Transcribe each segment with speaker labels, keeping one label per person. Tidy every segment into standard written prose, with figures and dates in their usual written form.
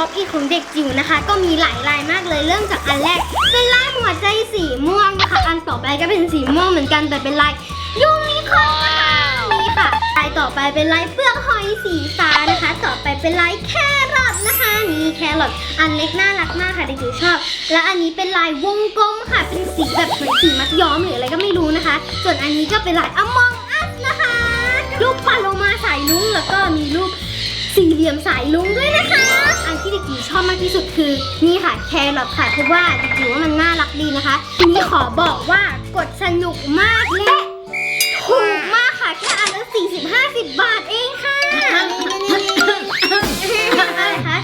Speaker 1: ป๊อปอีของเด็กจิ๋วนะคะก็มีหลายลายมากเลยเริ่มจากอันแรกเป็นลายหัวใจสีม่วงนะคะอันต่อไปก็เป็นสีม่วงเหมือนกันแต่เป็นลายยูนิคอร์นนี่ค่ะลายต่อไปเป็นลายเปลือกหอยสีฟ้านะคะต่อไปเป็นลายแครอทนะคะนี่แครอทอันเล็กน่ารักมากค่ะเด็กจิ๋วชอบและอันนี้เป็นลายวงกลมค่ะเป็นสีแบบเหมือนสีมัดย้อมหรืออะไรก็ไม่รู้นะคะส่วนอันนี้ก็เป็นลายอมองอัสนะคะรูปปลาโลมาสายลุ้งแล้วก็มีรูปสี่เหลี่ยมสายลุ้งด้วยนะคะอันที่เด็กจิ๋วชอบมากที่สุดคือนี่ค่ะแครอทค่ะเพราะว่าเด็กจิ๋วว่ามันน่ารักดีนะคะทีนี้ขอบอกว่ากดสนุกมากและถูกมากค่ะแค่อันละ40-50 บาทเองค่ะอะไรคะ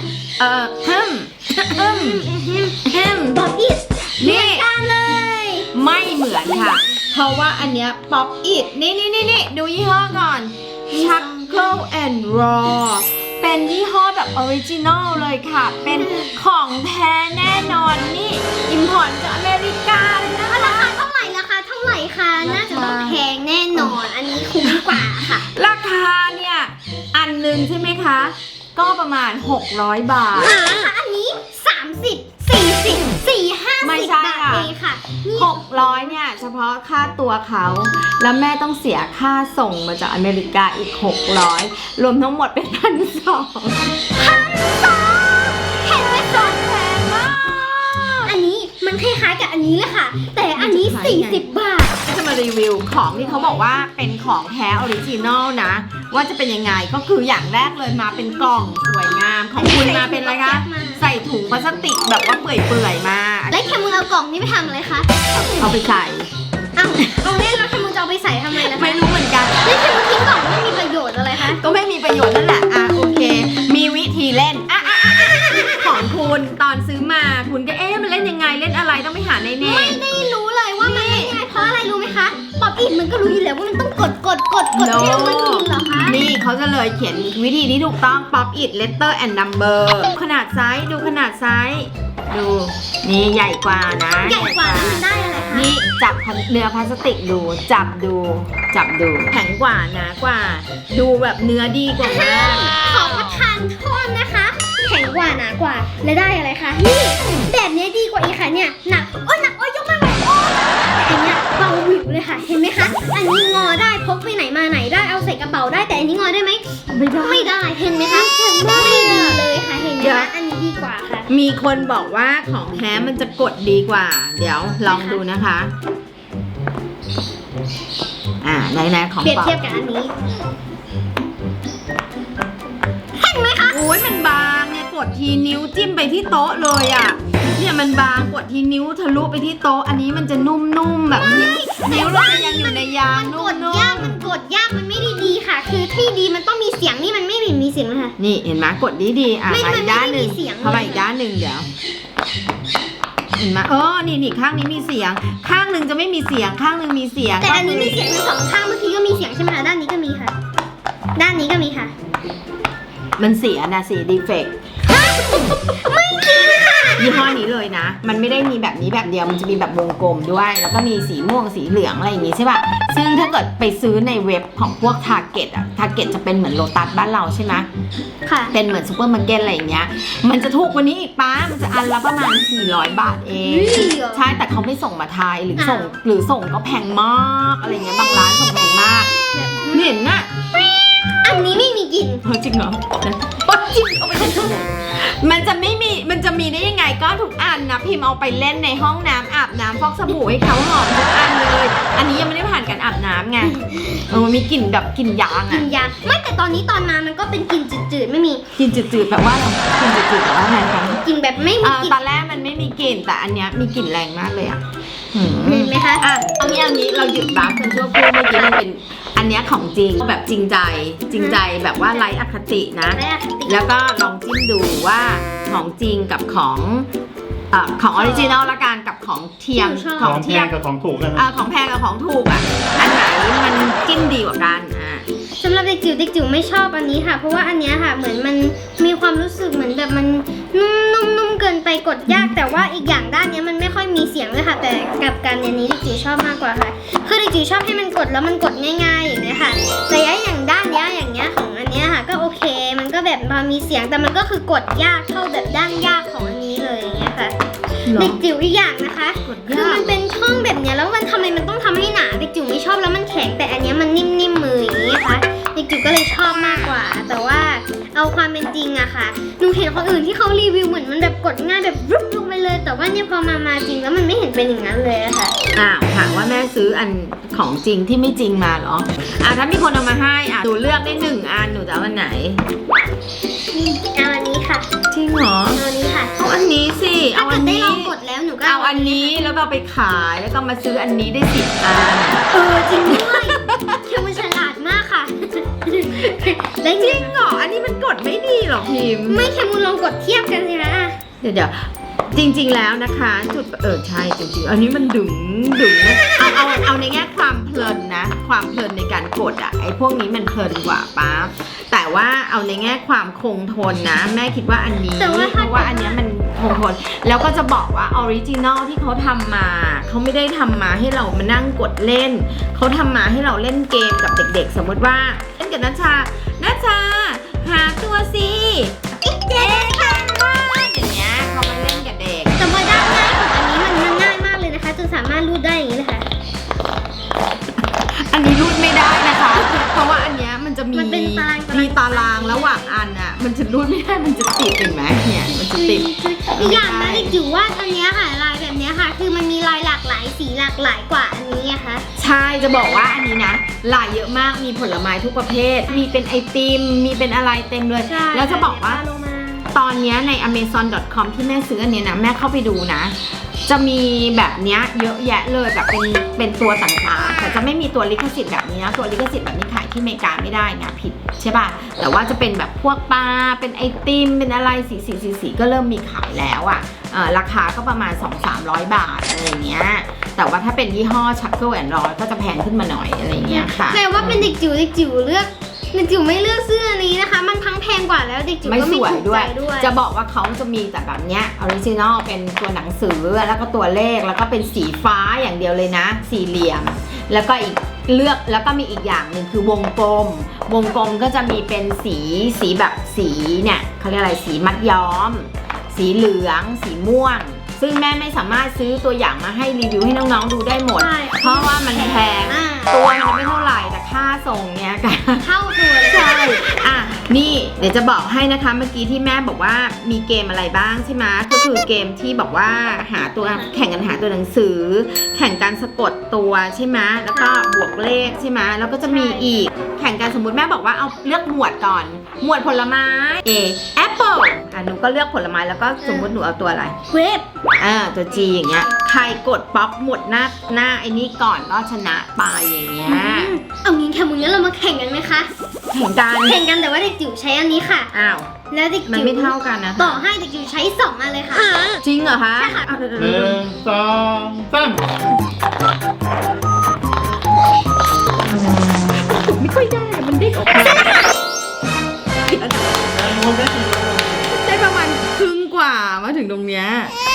Speaker 1: ป๊อปอิทนี่กันเลย
Speaker 2: ไม่เหมือนค่ะเพราะว่าอันเนี้ยป๊อปอิทนี่ดูยี่ห้อก่อนชักเกิลแอนด์รอเป็นยี่ห้อแบบออริจินอลเลยค่ะเป็นของแท้แน่นอนนี่อิมพอร์ตจากอเมริกาเลยนะ
Speaker 1: ราคาเท่าไหร่คะน่าจะต้องแพงแน่นอนอันนี้คุ้มกว่าค่ะ
Speaker 2: ราคาเนี่ยอันหนึ่งใช่ไหมคะก็ประมาณ600 บาท
Speaker 1: ค่ะอันนี้30-40-50
Speaker 2: บาทเองค่ะ600เนี่ยเฉพาะค่าตัวเขาแล้วแม่ต้องเสียค่าส่งมาจากอเมริกาอีก600รวมทั้งหมดเป็น1,200
Speaker 1: เห็นไหมคะแพงมากอันนี้มันคล้ายๆกับอันนี้เลยค่ะแต่อันนี้40 บาท
Speaker 2: จะมารีวิวของที่เขาบอกว่าเป็นของแท้ออริจินอลนะว่าจะเป็นยังไงก็คืออย่างแรกเลยมาเป็นกล่องสวยงามของคุณมาเป็นอะไรคะใส่ถุงพลาสติกแบบว่าเปื่อยๆมา
Speaker 1: แล้วแคมูเอากล่องนี้ไปทำอะไรคะ
Speaker 2: เอาไปใส่
Speaker 1: เอาเล่นแล้วแคมูจะเอาไปใส่ทำไมล่ะ
Speaker 2: ไม่รู้เหมือนกัน
Speaker 1: แล้วแคมูทิ้งกล่องไม่มีประโยชน์อะไรคะ
Speaker 2: ก็ไม่มีประโยชน์นั่นแหละโอเคมีวิธีเล่นของคุณตอนซื้อมาคุณก็มันเล่นยังไงเล่นอะไรต้องไปหาในเน็ต
Speaker 1: ไม่ได้รู้เลยว่ามันเล่นยังไงเพราะอะไรรู้ไหมคะป๊อปอิทมันก็รู้อยู่แล้วว่ามันต้องกดเที่ยวมันกินเหรอคะ
Speaker 2: นี่เขาจะเลยเขียนวิธีที่ถูกต้องป๊อปอิท letter and number ขนาดไซส์ดูขนาดไซส์ดูนี่ใหญ่กว่านะ
Speaker 1: ใหญ่กว่าแล้วมันได้อะไรคะ
Speaker 2: นี่จับเนื้อพลาสติกดูจับดูแข็งกว่าหนากว่าดูแบบเนื้อดีกว่ามาก
Speaker 1: ขอประทานโทษนะคะแข็งกว่าหนากว่าและได้อะไรคะนี่แบบนี้ดีกว่าอีกค่ะเนี่ยหนักยกมากเลยแต่อันเนี้ยเบาหวิวเลยค่ะเห็นไหมคะอันนี้งอได้พกไปไหนมาไหนได้เอาใส่กระเป๋าได้แต่อันนี้งอได้ไหมไม่ได้เห็นไหมคะไม่ดีเลยค่ะเห็นไหมคะอันนี้ดีกว่าค่ะ
Speaker 2: มีคนบอกว่าของแท้มันจะกดดีกว่าเดี๋ยวลองดูนะคะไหนของ
Speaker 1: เปรียบเทียบกับอันนี้เห็นไหมคะ
Speaker 2: โอ้ยมันบางเนี่ยกดทีนิ้วจิ้มไปที่โต๊ะเลยเนี่ยมันบางกดทีนิ้วทะลุไปที่โต๊ะอันนี้มันจะนุ่มๆแบบนิ้วเราจะยังอยู่ในยางนุ่ม
Speaker 1: ๆมันกดยากมันไม่ได้ดีค่ะคือที่ดีมันต้องมีเสียงนี่มันไม่มีเสียงนะคะ
Speaker 2: นี่เห็นไหมกดดีไปอีกด้านหนึ่งเข้าไปอีกด้านหนึ่งเดี๋ยวเห็นไหมนี่ข้างนี้มีเสียงข้างหนึ่งจะไม่มีเสียงข้างหนึ่งมีเสียง
Speaker 1: แต่อันนี้มีเสียงทั้งสองข้างเมื่อกี้ก็มีเสียงใช่ไหมคะด้านนี้ก็มีค่ะด้านนี้ก็มีค่ะ
Speaker 2: มันเสียนะดีเฟกต์
Speaker 1: ไม่จริงค่ะ
Speaker 2: ยี่ห้อนี้เลยนะมันไม่ได้มีแบบนี้แบบเดียวมันจะมีแบบวงกลมด้วยแล้วก็มีสีม่วงสีเหลืองอะไรอย่างงี้ใช่ป่ะซึ่งถ้าเกิดไปซื้อในเว็บของพวก Target Target จะเป็นเหมือนโลตัสบ้านเราใช่ไหม
Speaker 1: ค่ะ
Speaker 2: เป็นเหมือนซูเปอร์มาร์เก็ตอะไรอย่างเงี้ยมันจะถูกกว่านี้อีกป้ามันจะอันละประมาณ400 บาทเองใช่แต่เขาไม่ส่งมาไทยหรือส่งก็แพงมากอะไรเงี้ยบางร้านส่งแพงมากเห็นน่ะ
Speaker 1: อันนี้ไม่มีกลิ่น
Speaker 2: จริงเหรอจริงเอาไปมันจะมีได้ยังไงก็ทุกอันนะพิมพ์เอาไปเล่นในห้องน้ำอาบน้ำฟอกสบู่ให้เขาหอมทุกอันเลยอันนี้ยังไม่ได้ผ่านการอาบน้ำไงมันมีกลิ่นแบบกลิ่นยาง
Speaker 1: ไม่แต่ตอนมามันก็เป็นกลิ่นจืดๆไม่มี
Speaker 2: กลิ่นจืดๆแบบว่ากลิ่นจืดๆแบบว่าไงคะ
Speaker 1: กลิ่นแบบไม่มีกลิ่น
Speaker 2: ตอนแรกมันไม่มีกลิ่นแต่อันเนี้ยมีกลิ่นแรงมากเลย
Speaker 1: เห็นไหมคะ
Speaker 2: เอางี้เราหยุดบัฟกันชั่วครู่เมื่อกี้มันเป็นอันเนี้ยของจริงแบบจริงใจแบบว่าไร้อคตินะแล้วก็ลองจิ้มดูว่าของจริงกับของออริจินอลละกันกับของเทียม
Speaker 3: ของแพงกับของถูกกัน
Speaker 2: ของแพงกับของถูกอันไหนมันจิ้มดีกว่ากัน
Speaker 1: สำหรับเด็กจิ๋วไม่ชอบอันนี้ค่ะเพราะว่าอันนี้ค่ะเหมือนมันมีความรู้สึกเหมือนแบบมันนุ่มเกินไปกดยากแต่ว่าอีกอย่างด้านนี้มันไม่ค่อยมีเสียงเลยค่ะแต่กับการอันนี้เด็กจิ๋วชอบมากกว่าค่ะคือเด็กจิ๋วชอบให้มันกดแล้วมันกดง่ายๆอย่างนี้ค่ะแต่อย่างด้านนี้อย่างเงี้ยของอันนี้ค่ะก็โอเคมันก็แบบแบบพอมีเสียงแต่มันก็คือกดยากเท่าแบบด้านยากของอันนี้เลยอย่างเงี้ยค่ะ
Speaker 2: เหรอ
Speaker 1: เด็กจิ๋วอีกอย่างนะคะ
Speaker 2: กด
Speaker 1: คือย
Speaker 2: าก
Speaker 1: มันเป็นช่องแบบเนี้ยแล้วมันทำไมมันต้องทำให้หนาเด็กจิ๋วไม่ชอบแล้วมันแข็งแต่อันเนี้ยมันนิ่มๆมืออย่างนี้นะคะเด็กจิ๋วก็เลยชอบมากกว่า แต่ว่าเอาความเป็นจริงอะค่ะหนูเห็นคนอื่นที่เขารีวิวเหมือนมันแบบกดง่ายแบบรุบลงไปเลย แต่ว่าเนี่ยพอมาจริงแล้วมันไม่เห็นเป็นอย่างนั้นเลยอะค่ะ
Speaker 2: ถามว่าแม่ซื้ออันของจริงที่ไม่จริงมาเหรอถ้ามีคนเอามาให้หนูเลือกได้1 อันหนูจะเอาอันไหน
Speaker 1: เอาอันนี้ค่ะ
Speaker 2: จริงเหรอ
Speaker 1: เอาอันนี้ค่ะ
Speaker 2: เอาอันนี้สิ
Speaker 1: ถ้า
Speaker 2: เอา
Speaker 1: เกิ
Speaker 2: อั
Speaker 1: ด
Speaker 2: น
Speaker 1: ได้
Speaker 2: นี้
Speaker 1: ลองกดแล้วหนูก็
Speaker 2: เอาอันนี้แล้วก็เอาไปขายแล้วก็มาซื้ออันนี้ได้10 อัน
Speaker 1: จริงด้วยเธอมันฉลาดมากค่ะได้
Speaker 2: จริงเหรออันนี้มันกดไม่ดีหรอพิมพ์
Speaker 1: ไม่แคมูลองกดเทียบกันสิคะ
Speaker 2: เดี๋ยวจริงๆแล้วนะคะจุดใช่จริงๆอันนี้มันดึงนะเอาในแง่ความเพลินนะความเพลินในการกดไอ้พวกนี้มันเพลินกว่าป๊าแต่ว่าเอาในแง่ความคงทนนะแม่คิดว่าอันนี้เพราะว่าอันนี้มันคงทนแล้วก็จะบอกว่าออริจินอลที่เขาทำมาเขาไม่ได้ทำมาให้เรามานั่งกดเล่นเขาทำมาให้เราเล่นเกมกับเด็กๆสมมติว่าเล่นกับนัชชาหาตัวสิเจ๊ค่ะอย่างเงี้ยเขามาเล่นกับเด็ก
Speaker 1: แต่ว่าด้านง่ายของอันนี้มันง่ายมากเลยนะคะจนสามารถรูดได้อย่างนี้เลยค่ะ
Speaker 2: อันนี้รูดไม่ได้นะคะ เพราะว่าอันเนี้ยมันจะมี
Speaker 1: มันเป็นตาราง
Speaker 2: ระหว่างอันอ่ะ มันจะรูดไม่ได้ มันจะติดเห็นไหมเนี่ย มันจะติด
Speaker 1: อีกอย่างนะเด็กจิ๋วว่าอันเนี้ยค่ะลายแบบเนี้ยค่ะ คือมันมีลายหลากหลายสีหลากหลายกว่าอันนี้อะค่ะ
Speaker 2: ใช่ จะบอกว่าอันนี้นะ ลายเยอะมาก มีผลไม้ทุกประเภท มีเป็นไอติม มีเป็นอะไรเต็มเลย แล้วจะบอกว่า ตอนเนี้ยใน amazon.com ที่แม่ซื้ออันเนี้ยนะ แม่เข้าไปดูนะ จะมีแบบเนี้ยเยอะแยะเลยแบบเป็นตัวต่างๆแต่จะไม่มีตัวลิขสิทธิ์แบบนี้นะตัวลิขสิทธิ์แบบนี้ขายที่อเมริกาไม่ได้ไงผิดใช่ป่ะแต่ว่าจะเป็นแบบพวกปลาเป็นไอติมเป็นอะไรสีก็เริ่มมีขายแล้วอ่ะราคาก็ประมาณ 200-300 บาทอะไรเงี้ยแต่ว่าถ้าเป็นยี่ห้อ Chuckle and Roll ก็จะแพงขึ้นมาหน่อยอะไรเงี้ยค่ะ
Speaker 1: แต่ว่าเป็นเด็กจิ๋วเด็กจิ๋วเลือกเด็กจิ๋วไม่เลือกเสื้อนี้นะคะ มันทั้งแพงกว่าแล้วเด็กจิ๋ว
Speaker 2: ไม่
Speaker 1: ก็
Speaker 2: ส
Speaker 1: ไม่
Speaker 2: วย
Speaker 1: ถูก
Speaker 2: ด้ว
Speaker 1: ใจ
Speaker 2: ย
Speaker 1: ด้วย
Speaker 2: จะบอกว่าเขาจะมีแต่แบบเนี้ยออริจินอลเป็นตัวหนังสือแล้วก็ตัวเลขแล้วก็เป็นสีฟ้าอย่างเดียวเลยนะสี่เหลี่ยมแล้วก็อีกเลือกแล้วก็มีอีกอย่างหนึ่งคือวงกลมก็จะมีเป็นสีแบบสีเนี่ยเขาเรียกอะไรสีมัดย้อม สีเหลืองสีม่วง ซึ่งแม่ไม่สามารถซื้อตัวอย่างมาให้รีวิวให้น้องๆดูได้หมด
Speaker 1: ใช่
Speaker 2: เพราะว่ามันแพงตัวมันไม่เท่าไหร่แต่ค่าส่งเนี่ยกัน
Speaker 1: เท่าตัวเลย
Speaker 2: ใช่นี่เดี๋ยวจะบอกให้นะคะเมื่อกี้ที่แม่บอกว่ามีเกมอะไรบ้างใช่ไหมก็คือเกมที่บอกว่าหาตัวแข่งกันหาตัวหนังสือ แข่งการสะกดตัวใช่ไหมแล้วก็บวกเลขใช่ไหมแล้วก็จะมีอีกแข่งกันสมมติแม่บอกว่าเอาเลือกหมวดก่อน หมวดผลไม้ A Apple หนูก็เลือกผลไม้แล้วก็สมมติหนูเอาตัวอะไร
Speaker 1: เวฟ
Speaker 2: ตัว G อย่างเงี้ยใครกดป๊อปหมดหน้าไอ้นี่ก่อนก็ชนะไปอย่างเงี้ย
Speaker 1: เอางี้แคมูลงั้นเรามาแข่งกันไหมคะ
Speaker 2: แข่งกัน
Speaker 1: แข่งกันแต่ว่าเด็กจิ๋วใช้อันนี้ค่ะ
Speaker 2: อ้าว
Speaker 1: แล้วเด็ก
Speaker 2: มัน
Speaker 1: จิ๋ว
Speaker 2: ไม่เท่ากันนะ
Speaker 1: ต่อให้เด็กจิ๋วใช้2อันเลยค่ะ
Speaker 2: จริงเหรอคะ
Speaker 1: ใช่ค่ะ
Speaker 2: เอาเดี๋ยว
Speaker 3: 1 2 3
Speaker 2: ไม่ค่อยได้มันได้ได้ประมาณครึ่งกว่ามาถึงตรงเนี้ย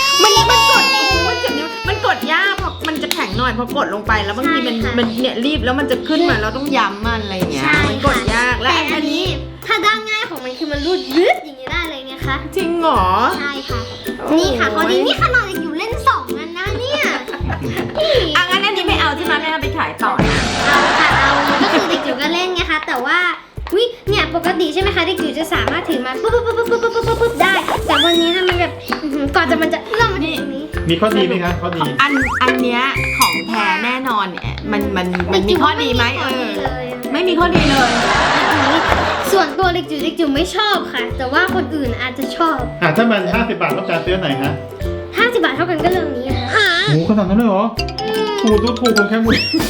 Speaker 2: มันกดยากเพราะมันจะแข็งหน่อยพอกดลงไปแล้วบางทีมันเนี่ยรีบแล้วมันจะขึ้นมาเราต้องย้ำมันอะไรอย่างเงี้ย
Speaker 1: ใช่
Speaker 2: มันกดยากและ
Speaker 1: แต่
Speaker 2: อันนี้
Speaker 1: ถ้าด้านง่ายของมันคือมันรูดยืดอย่างนี้ได้เลยไงคะ
Speaker 2: จริงเหรอ
Speaker 1: ใช่ค่ะ นี่ค่ะพอดีนี่ขนาดเด็กจิ๋วเล่น2อันนะเนี่ยนี่
Speaker 2: งั้นอันนี้ไม่เอาใช่ไหมแม่เอาไปขายต่อนะ
Speaker 1: เอาค่ะเอาก็คือเด็กจิ๋วก็เล่นไงคะแต่ว่าเนี่ยปกติใช่ไหมคะเด็กจิ๋วจะสามารถถือมาปุ๊บได้ แต่วันนี้นะมันแบบก่อนจะมันจะเริ่มมาถึงตรงนี้
Speaker 3: มีข้อดีไหมครับข้อดี
Speaker 2: อันเนี้ยของแท้แน่นอนเนี่ยมันมีข้อดีไหมไม่มีข้อดีเลย
Speaker 1: ส่วนตัวเด็กจิ๋วไม่ชอบค่ะ แต่ว่าคนอื่นอาจจะชอบ
Speaker 3: ถ้ามัน50 บาทต้องการซื้อไหนฮะ
Speaker 1: 50 บาทเท่ากันก็เรื่องนี้ค่ะ
Speaker 3: หมูขนาดนั้นเลยเหรอถูกของแค่หมู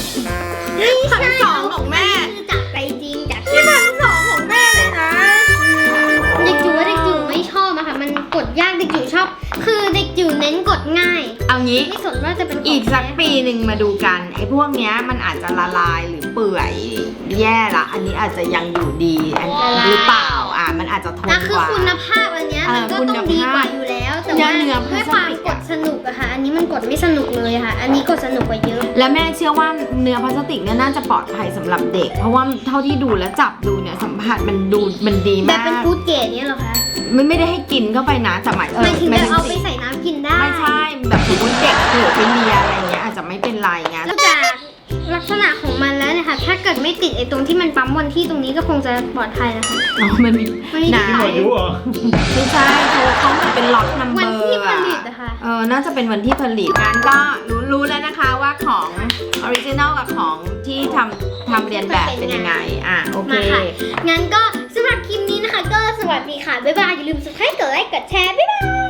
Speaker 2: 1,200ของแม่
Speaker 1: คือจากไปจริงจาก
Speaker 2: นี่1,200ของแม่เลยนะ
Speaker 1: เด็กจิ๋วว่าเด็กจิ๋วไม่ชอบอะค่ะมันกดยากเด็กจิ๋วชอบ คือเด็กจิ๋วเน้นกดง่าย
Speaker 2: เอางี้
Speaker 1: ไม่สนว่าจะเป็นของ
Speaker 2: อีกสักปีหนึ่งมาดูกันไอ้อ้พวกเนี้ยมันอาจจะละลายหรือเปื่อยแย่ละอันนี้อาจจะยังอยู่ดีอันหรือเปล่ามันอาจจะทน
Speaker 1: อ่ะคื
Speaker 2: ก
Speaker 1: อ
Speaker 2: ว่า
Speaker 1: คุณภาพอันเนี้ยมันก็ต้องดีกว่าอยู่แล้ว แต่ว่า
Speaker 2: เนื้อ
Speaker 1: ด้วยความ
Speaker 2: พลาสติก
Speaker 1: กดสนุกอะค่ะ อันนี้มันกดไม่สนุกเลยค่ะ อันนี้กดสนุกกว่าเยอะ
Speaker 2: และแม่เชื่อว่าเนื้อพลาสติกเนี่ยน่าจะปลอดภัยสำหรับเด็ก เพราะว่าเท่าที่ดูและจับดูเนี่ยสัมผัสมันดี
Speaker 1: แบบ
Speaker 2: มาก
Speaker 1: เป็นฟู้ดเกรดเนี้ยเหรอคะ
Speaker 2: ไม่ได้ให้กินเข้าไปนะแต่หมาย
Speaker 1: หมายถึงจะเอาไป
Speaker 2: สิ
Speaker 1: ใส่น้ำกินได้
Speaker 2: ไม่ใช่แบบสมมติเด็กเผลอไปเลียอะไรเงี้ยอาจจะไม่เป็นไรไง
Speaker 1: แล้วจากลักษณะของมันแล้วเนี่ยค่ะ ถ้าเกิดไม่ติดไอ้ตรงที่มันปั๊มวันที่ตรงนี้ก็คงจะปลอดภัยนะคะ
Speaker 2: อ๋อมันมี
Speaker 1: มันมี
Speaker 2: หนา
Speaker 3: มีหมดอายุเหรอ
Speaker 2: ไม่ใช่เขาเหมือนเป็นล็อตนัมเบ
Speaker 1: วั
Speaker 2: อน ร์
Speaker 1: ที่ผลิตอะค่ะ
Speaker 2: น่าจะเป็นวันที่ผลิตงั้นก็รู้แล้วนะคะว่าของออริจินอลกับของที่ทำเรียนแบบเป็นยังไงโอเค
Speaker 1: มาค่ะ งั้นก็สำหรับคลิปนี้นะคะ ก็สวัสดีค่ะ บ๊ายบาย อย่าลืม subscribe กดไลค์ กดแชร์ บ๊ายบาย